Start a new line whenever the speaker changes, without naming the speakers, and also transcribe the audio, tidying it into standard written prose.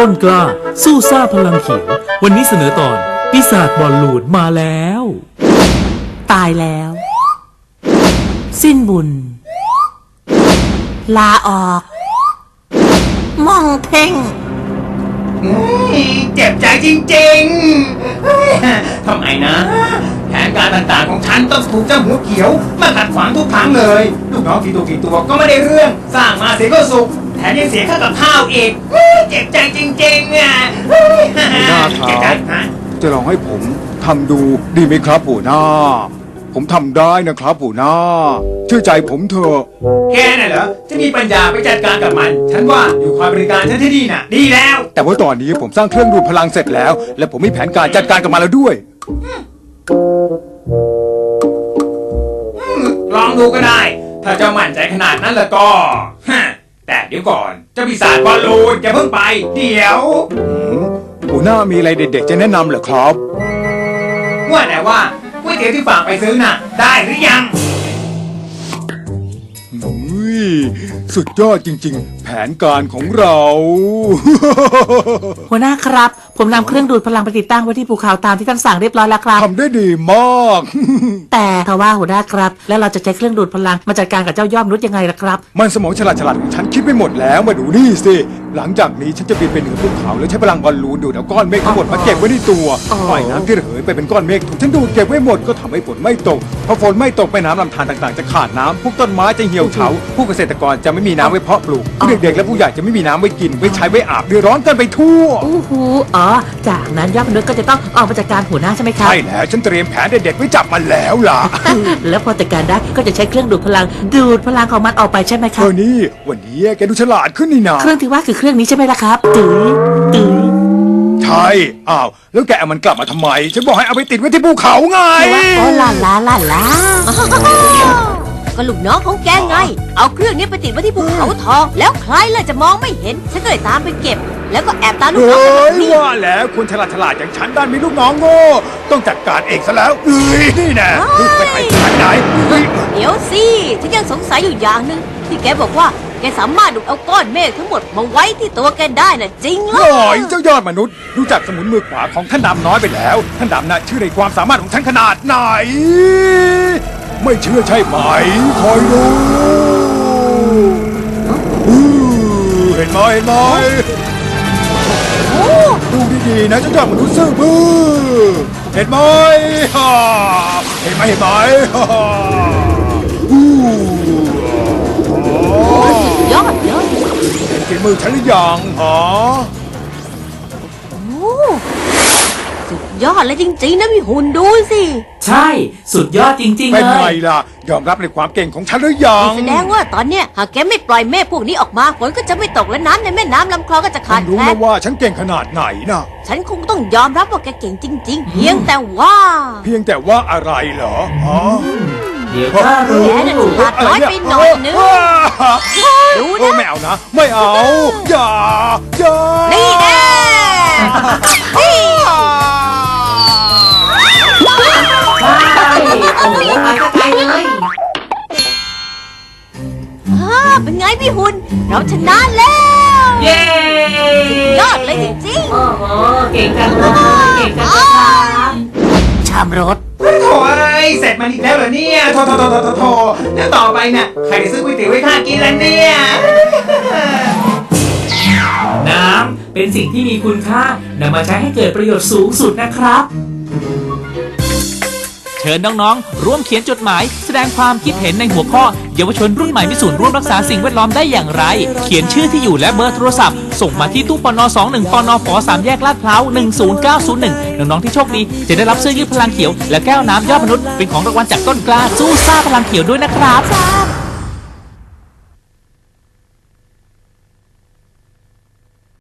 ต้นกล้าสู้ซ่าพลังเขียววันนี้เสนอตอนปีศาจบอลลูนมาแล้ว
ตายแล้ว สิ้นบุญ ลาออกมองเพ่ง
เจ็บใจจริงๆทำไมนะแผนการต่างๆของฉันต้องถูกเจ้าหัวเขียวมาขัดขวางทุกครั้งเลยลูกน้องกี่ตัวก็ไม่ได้เรื่องสร้างมาเสียก็สุขแถมยังเสียค่ากับข้าวอีกเจ็บใจจริงๆอ่ะ
หัวหน้าค
เจ็บใจ
รับ
ฮะ
จะลองให้ผมทำดูดีไหมครับหัวหน้า ผมทำได้นะครับหัวหน้าเชื่อใจผมเถอะ
แกน่ะเหรอจะมีปัญญาไปจัดการกับมันฉันว่าอยู่คอยบริการฉันที่นี่น่ะดีแล้ว
แต่ว่าตอนนี้ผมสร้างเครื่องดูดพลังเสร็จแล้ว และผมมีแผนการจัดการกับมันแล้วด้วย
ลองดูก็ได้ ถ้าเจ้ามั่นใจขนาดนั้นแล้วก็ฮะแต่เดี๋ยวก่อนเจ้าปีศาจบอลลูนอย่าเพิ่งไป เดี๋ยว
หัวหน้ามีอะไรเด็ดๆจะแนะนำเหรอครับ
ว่าแต่ว่าก๋วยเตี๋ยวที่ฝากไปซื้อน่ะ ได้หรือยัง
อุ้ยสุดยอดจริงๆ แผนการของเรา
หัวหน้าครับ ผมนำเครื่องดูดพลังไปติดตั้งไว้ที่ภูเขาตามที่ท่านสั่งเรียบร้อยแล้วครับ
ทำได้ดีมาก
แต่ทว่าหัวหน้าครับ แล้วเราจะใช้เครื่องดูดพลังมาจัดการกับเจ้ายอดมนุษย์ยังไงล่ะครับ
มันสมองฉลาดของฉันคิดไปหมดแล้วมาดูนี่สิหลังจากนี้ฉันจะบินไปเหนือภูเขาแล้วใช้พลังบอลลูนดูดเอาก้อนเมฆทั้งหมดมาเก็บไว้ในตัว
อ๋อ
ปล่อยน้ำที่ระเหยไปเป็นก้อนเมฆถูกฉันดูดเก็บไว้หมดก็ทำให้ฝนไม่ตกพอฝนไม่ตกแม่น้ำลำธารต่างๆจะขาดน้ำพวกต้นไม้จะเหี่ยวเฉาผู้เกษตรกรจะไม่มีน้ำไว้เพาะปลูกผู้เด็กๆและผู้ใหญ่จะไม่มีน้ำไว้กินไว้ใช้ไว้อาบเดือดร้อนกันไปทั่ว
อู้หูอ๋อ จากนั้นยอดมนุษย์ก็จะต้องออกมาจัดการหัวหน้าใช่ไหมครับ
ใช่แล้วฉันเตรียมแผนเด็ดๆไว้จับมันแล้วล่ะ
แล้วพอจัดการได้ก็จะใช้เครื่องดูดพลัง ดูดพลังของมันออกไปใช่ไหมค
เธ
รับ
อนี่วันนี้แกดูฉลาดขึ้นนี่นา
เครื่องที่ว่าคือเครื่องนี้ใช่ไหมล่ะครับตื้อตื้อ
ใช่อ้าวแล้วแกเอามันกลับมาทำไมฉันบอกให้เอาไปติดไว้ที่ภูเขาไง
แต่ว่าโอ้ลาลาลาลา
ก็ลูกน้องของแกไง เอาเครื่องนี้ไปติดไว้ที่ภูเขาทอง แล้วใครล่ะจะมองไม่เห็น ฉันก็เลยตามไปเก็บ แล้วก็แอบตามลูกน้อง
เฮ้
ไป
ย
นี่
ว่าแล้วคนฉลาดอย่างฉันด้านมีลูกน้องโง่ต้องจัดการเองซะแล้วนี่แน่ไปไหนไปไหนเฮ้ย
เดี๋ยวสิฉันยังสงสัยอยู่อย่างหนึ่งที่แกบอกว่าแกสามารถดูดเอาก้อนเมฆทั้งหมดมาไว้ที่ตัวแกได้น่ะจริงเหร
หน่
อ
อยเจ้ายอดมนุษย์รู้จักสมุนมือขวาของท่านดำน้อยไปแล้วท่านดำน่ะเชื่อในความสามารถของฉันขนาดไหน ไม่เชื่อใช่ไหมคอยดูเห็นไหมเห็นไหม
โอ้
ดูดีๆนะเจ้ายอดมนุษย์ซื่อบื้อเห็นไหมฮ่าเห็นไหมเห็นไหมฮ่าอู้
ยอดเลย
เห็นฝีมือฉันหรือยังฮะ
โอ้สุดยอดเลยจริงๆนะพี่หุ่นดูสิ
ใช่สุดยอดจริงๆ
เป็น
เล
ไง
ย
ล่ะยอมรับในความเก่งของฉันหรือยัง
แสดงว่าตอนเนี้ยหากแกไม่ปล่อยเมฆพวกนี้ออกมาฝนก็จะไม่ตกและน้ำในแม่น้ำลำคลองก็จะขาด
รู้
แคล
นะ
น
ว่าฉันเก่งขนาดไหนนะ
ฉันคงต้องยอมรับว่าแกเก่งจริง ๆ เพียงแต่ว่า
เพียงแต่ว่าอะไรเหรอฮะ
เดี๋ยวข้ารู้
แกน่ะฉลาดน้อยไปหน่อยนึง ดูนะ
ไม่เอานะ ไม่เอา อย่า อย่า
นี่แน่นี่
โอ้โหมาไกลเลย
เป็นไงพี่หุ่นเราชนะแล้ว
เย้
ยอดเลยจริง
โอ้โหเก่งจังเลยเก่งจังเลยครับ
ชามรถ
โถอะไรเสร็จมันอีกแล้วเหรอเนี่ยโถแล้วต่อไปเนี่ยใครจะซื้อก๋วยเตี๋ยวไว้ข้ากินล่ะเนี่ย
น้ำเป็นสิ่งที่มีคุณค่านำมาใช้ให้เกิดประโยชน์สูงสุดนะครับ เชิญน้องๆ ร่วมเขียนจดหมายแสดงความคิดเห็นในหัวข้อเยาวชนรุ่นใหม่มีส่วนร่วมรักษาสิ่งแวดล้อมได้อย่างไร เขียนชื่อที่อยู่และเบอร์โทรศัพท์ส่งมาที่ตู้ปน21ปนฝ3แยกลาดพร้าว10901น้องๆที่โชคดีจะได้รับเสื้อยืดพลังเขียวและแก้วน้ำยอดมนุษย์เป็นของรางวัลจากต้นกล้าสู้ซ่าพลังเขียวด้วยนะครับ
ๆ